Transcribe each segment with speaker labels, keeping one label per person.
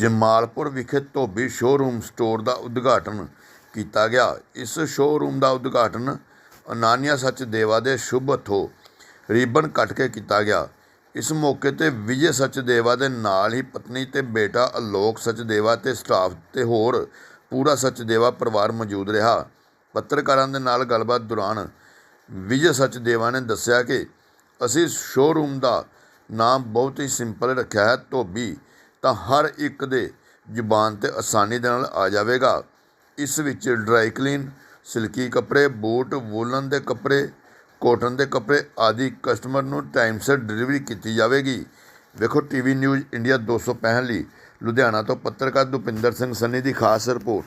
Speaker 1: ਜਮਾਲਪੁਰ ਵਿਖੇ ਧੋਬੀ showroom store ਦਾ ਉਦਘਾਟਨ ਕੀਤਾ ਗਿਆ। ਇਸ ਸ਼ੋਅਰੂਮ ਦਾ ਉਦਘਾਟਨ ਅਨਾਨਿਆ ਸਚਦੇਵਾ ਦੇ ਸ਼ੁਭ ਹੱਥੋਂ ਰਿਬਨ ਕੱਟ ਕੇ ਕੀਤਾ ਗਿਆ। ਇਸ ਮੌਕੇ 'ਤੇ ਵਿਜੇ ਸਚਦੇਵਾ ਦੇ ਨਾਲ ਹੀ ਪਤਨੀ ਤੇ ਬੇਟਾ ਅਲੋਕ ਸਚਦੇਵਾ ਤੇ ਸਟਾਫ ਤੇ ਹੋਰ ਪੂਰਾ ਸਚਦੇਵਾ ਪਰਿਵਾਰ ਮੌਜੂਦ ਰਿਹਾ। ਪੱਤਰਕਾਰਾਂ ਦੇ ਨਾਲ ਗੱਲਬਾਤ ਦੌਰਾਨ ਵਿਜੇ ਸਚਦੇਵਾ ਨੇ ਦੱਸਿਆ ਕਿ ਅਸੀਂ ਸ਼ੋਅਰੂਮ ਦਾ ਨਾਮ ਬਹੁਤ ਹੀ ਸਿੰਪਲ ਰੱਖਿਆ ਹੈ, ਧੋਬੀ ਤਾਂ ਹਰ ਇੱਕ ਦੇ ਜ਼ੁਬਾਨ 'ਤੇ ਆਸਾਨੀ ਦੇ ਨਾਲ ਆ ਜਾਵੇਗਾ। ਇਸ ਵਿੱਚ ਡਰਾਈ ਕਲੀਨ, ਸਿਲਕੀ ਕੱਪੜੇ, ਬੂਟ, ਵੂਲਨ ਦੇ ਕੱਪੜੇ, ਕੋਟਨ ਦੇ ਕੱਪੜੇ ਆਦਿ ਕਸਟਮਰ ਨੂੰ ਟਾਈਮ ਸਿਰ ਡਿਲੀਵਰੀ ਕੀਤੀ ਜਾਵੇਗੀ। ਵੇਖੋ ਟੀਵੀ ਨਿਊਜ਼ ਇੰਡੀਆ 265 ਲਈ ਲੁਧਿਆਣਾ ਤੋਂ ਪੱਤਰਕਾਰ ਦੁਪਿੰਦਰ ਸਿੰਘ ਸੰਨੀ ਦੀ ਖਾਸ ਰਿਪੋਰਟ।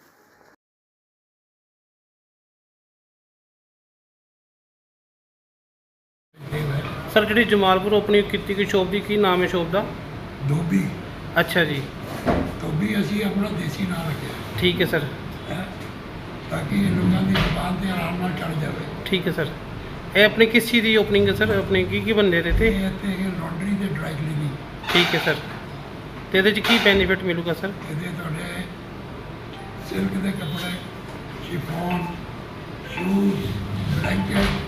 Speaker 2: ਸਰ ਜਿਹੜੀ ਜਮਾਲਪੁਰ ਓਪਨਿੰਗ ਕੀਤੀ ਗਈ ਸ਼ੋਪ ਦੀ ਕੀ ਨਾਮ ਹੈ ਸ਼ੋਪ ਦਾ?
Speaker 3: ਧੋਬੀ।
Speaker 2: ਅੱਛਾ ਜੀ,
Speaker 3: ਧੋਬੀ ਅਸੀਂ ਆਪਣਾ ਦੇਸੀ ਨਾਮ ਰੱਖਿਆ
Speaker 2: ਠੀਕ ਹੈ ਸਰ।
Speaker 3: ਹੈ ਤਾਂ ਕਿ ਲੋਕਾਂ ਦੀ ਜ਼ੁਬਾਨ 'ਤੇ ਆਰਾਮ ਨਾਲ ਚੜ੍ਹ ਜਾਵੇ।
Speaker 2: ਠੀਕ ਹੈ ਸਰ। ਇਹ ਆਪਣੀ ਕਿਸ ਚੀਜ਼ ਦੀ ਓਪਨਿੰਗ ਹੈ ਸਰ? ਆਪਣੇ ਕੀ ਬੰਦੇ ਦੇ ਤੇ?
Speaker 3: ਇਹ ਇੱਥੇ ਲਾਂਡਰੀ ਤੇ ਡਰਾਈ ਕਲੀਨਿੰਗ।
Speaker 2: ਠੀਕ ਹੈ ਸਰ। ਤੇ ਇਹਦੇ 'ਚ ਕੀ ਬੈਨੀਫਿਟ ਮਿਲੂਗਾ ਸਰ?
Speaker 3: ਇਹਦੇ ਤੁਹਾਡੇ ਸਿਲਕ ਦੇ ਕੱਪੜੇ, chiffon, shoes, blanket,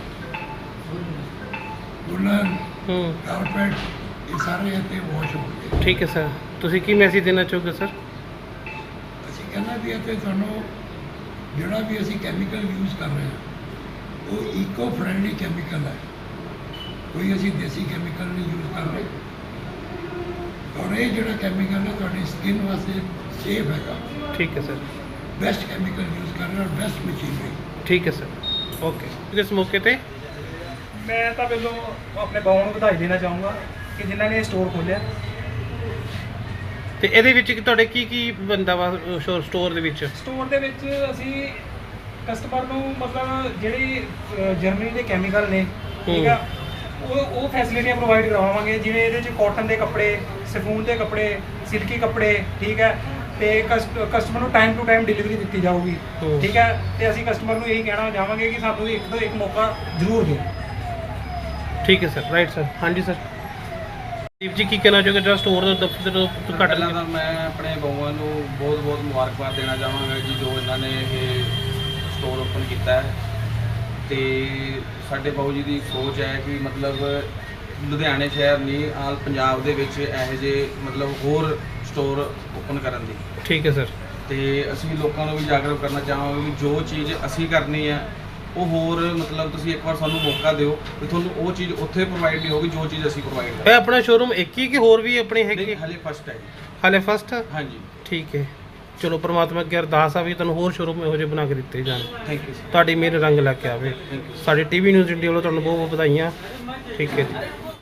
Speaker 3: woollen, carpet, ਇਹ ਸਾਰੇ ਇੱਥੇ ਵਾਸ਼ ਹੋਣਗੇ।
Speaker 2: ਠੀਕ ਹੈ ਸਰ। ਤੁਸੀਂ ਕੀ ਮੈਸੇਜ ਦੇਣਾ ਚਾਹੋਗੇ ਸਰ?
Speaker 3: ਅਸੀਂ ਕਹਿੰਦਾ ਵੀ ਇੱਥੇ ਤੁਹਾਨੂੰ ਜਿਹੜਾ ਵੀ ਅਸੀਂ ਕੈਮੀਕਲ ਯੂਜ਼ ਕਰ ਰਹੇ ਹਾਂ ਉਹ ਈਕੋ ਫਰੈਂਡਲੀ ਕੈਮੀਕਲ ਹੈ, ਕੋਈ ਅਸੀਂ ਦੇਸੀ ਕੈਮੀਕਲ ਨਹੀਂ ਯੂਜ਼ ਕਰ ਰਹੇ। ਔਰ ਇਹ ਜਿਹੜਾ ਕੈਮੀਕਲ ਹੈ ਤੁਹਾਡੀ ਸਕਿਨ ਵਾਸਤੇ ਸੇਫ ਹੈਗਾ।
Speaker 2: ਠੀਕ ਹੈ ਸਰ।
Speaker 3: ਬੈਸਟ ਕੈਮੀਕਲ ਯੂਜ਼ ਕਰ ਰਹੇ ਔਰ ਬੈਸਟ ਮਸ਼ੀਨਰੀ।
Speaker 2: ਠੀਕ ਹੈ ਸਰ। ਓਕੇ। ਇਸ ਮੌਕੇ ਤੇ
Speaker 4: ਮੈਂ ਤਾਂ ਪਹਿਲਾਂ ਆਪਣੇ ਬਾਊ ਨੂੰ ਵਧਾਈ ਦੇਣਾ ਚਾਹੂੰਗਾ ਕਿ ਜਿਨ੍ਹਾਂ ਨੇ ਇਹ ਸਟੋਰ ਖੋਲ੍ਹਿਆ।
Speaker 2: ਤੇ ਇਹਦੇ ਵਿੱਚ ਤੁਹਾਡੇ ਕੀ ਬੰਦਾ ਵਾ ਸਟੋਰ ਦੇ ਵਿੱਚ?
Speaker 4: ਸਟੋਰ ਦੇ ਵਿੱਚ ਅਸੀਂ ਕਸਟਮਰ ਨੂੰ ਮਤਲਬ ਜਿਹੜੀ ਜਰਮਨੀ ਦੇ ਕੈਮੀਕਲ ਨੇ, ਠੀਕ ਆ, ਉਹ ਫੈਸਿਲਿਟੀਆਂ ਪ੍ਰੋਵਾਈਡ ਕਰਵਾਵਾਂਗੇ। ਜਿਵੇਂ ਇਹਦੇ 'ਚ ਕਾਟਨ ਦੇ ਕੱਪੜੇ, ਸਿਫੂਨ ਦੇ ਕੱਪੜੇ, ਸਿਲਕੀ ਕੱਪੜੇ, ਠੀਕ ਹੈ। ਤੇ ਕਸਟਮਰ ਨੂੰ ਟਾਈਮ ਟੂ ਟਾਈਮ ਡਿਲੀਵਰੀ ਦਿੱਤੀ ਜਾਊਗੀ, ਠੀਕ ਹੈ। ਤੇ ਅਸੀਂ ਕਸਟਮਰ ਨੂੰ ਇਹੀ ਕਹਿਣਾ ਚਾਹਾਂਗੇ ਕਿ ਸਾਨੂੰ ਇੱਕ ਤੋਂ ਇੱਕ ਮੌਕਾ ਜ਼ਰੂਰ ਦਿਓ।
Speaker 2: ਠੀਕ ਹੈ ਸਰ। Right sir. ਹਾਂਜੀ ਸਰ। ਦੀਪ ਜੀ ਕੀ ਕਹਿਣਾ ਚਾਹੋਗੇ ਜਿਹੜਾ ਸਟੋਰ ਦਾ ਦਫ਼ਤਰ ਘੱਟ?
Speaker 5: ਪਹਿਲਾਂ ਤਾਂ ਮੈਂ ਆਪਣੇ ਬਾਊਆਂ ਨੂੰ ਬਹੁਤ ਬਹੁਤ ਮੁਬਾਰਕਬਾਦ ਦੇਣਾ ਚਾਹਾਂਗਾ ਜੀ, ਜੋ ਇਹਨਾਂ ਨੇ ਇਹ ਸਟੋਰ ਓਪਨ ਕੀਤਾ ਹੈ। ਤੇ ਸਾਡੇ ਬਾਊ ਜੀ ਦੀ ਸੋਚ ਹੈ ਕਿ ਮਤਲਬ ਲੁਧਿਆਣੇ ਸ਼ਹਿਰ ਨਹੀਂ, ਆਲ ਪੰਜਾਬ ਦੇ ਵਿੱਚ ਇਹੋ ਜਿਹੇ ਮਤਲਬ ਹੋਰ ਸਟੋਰ ਓਪਨ ਕਰਨ ਦੀ।
Speaker 2: ਠੀਕ ਹੈ ਸਰ।
Speaker 5: ਤੇ ਅਸੀਂ ਲੋਕਾਂ ਨੂੰ ਵੀ ਜਾਗਰੂਕ ਕਰਨਾ ਚਾਹਾਂਗੇ ਕਿ ਜੋ ਚੀਜ਼ ਅਸੀਂ ਕਰਨੀ ਹੈ ਉਹ ਹੋਰ ਮਤਲਬ ਤੁਸੀਂ ਇੱਕ ਵਾਰ ਸਾਨੂੰ ਮੌਕਾ ਦਿਓ ਕਿ ਤੁਹਾਨੂੰ ਉਹ ਚੀਜ਼ ਉੱਥੇ ਪ੍ਰੋਵਾਈਡ ਨਹੀਂ ਹੋਗੀ ਜੋ ਚੀਜ਼ ਅਸੀਂ ਪ੍ਰੋਵਾਈਡ
Speaker 2: ਇਹ
Speaker 5: ਕਰਾਂਗੇ।
Speaker 2: ਆਪਣਾ ਸ਼ੋਰੂਮ ਇੱਕ ਹੀ ਕਿ ਹੋਰ ਵੀ ਆਪਣੇ ਹੈਗੇ?
Speaker 5: ਹਲੇ ਫਸਟ ਹੈ ਜੀ।
Speaker 2: ਹਾਲੇ ਫਸਟ?
Speaker 5: ਹਾਂਜੀ।
Speaker 2: ਠੀਕ ਹੈ। ਚਲੋ ਪ੍ਰਮਾਤਮਾ ਅੱਗੇ ਅਰਦਾਸ ਆ ਵੀ ਤੁਹਾਨੂੰ ਹੋਰ ਸ਼ੋਰੂਮ ਇਹੋ ਜਿਹੇ ਬਣਾ ਕੇ ਦਿੱਤੇ ਜਾਣ।
Speaker 5: Thank you sir.
Speaker 2: ਤੁਹਾਡੀ ਮੇਰੇ ਰੰਗ ਲੈ ਕੇ ਆਵੇ।
Speaker 5: Thank you.
Speaker 2: ਸਾਡੇ ਟੀਵੀ ਨਿਊਜ਼ ਇੰਡੀਆ ਵੱਲੋਂ ਤੁਹਾਨੂੰ ਬਹੁਤ ਬਹੁਤ ਵਧਾਈਆਂ। ਠੀਕ ਹੈ ਜੀ।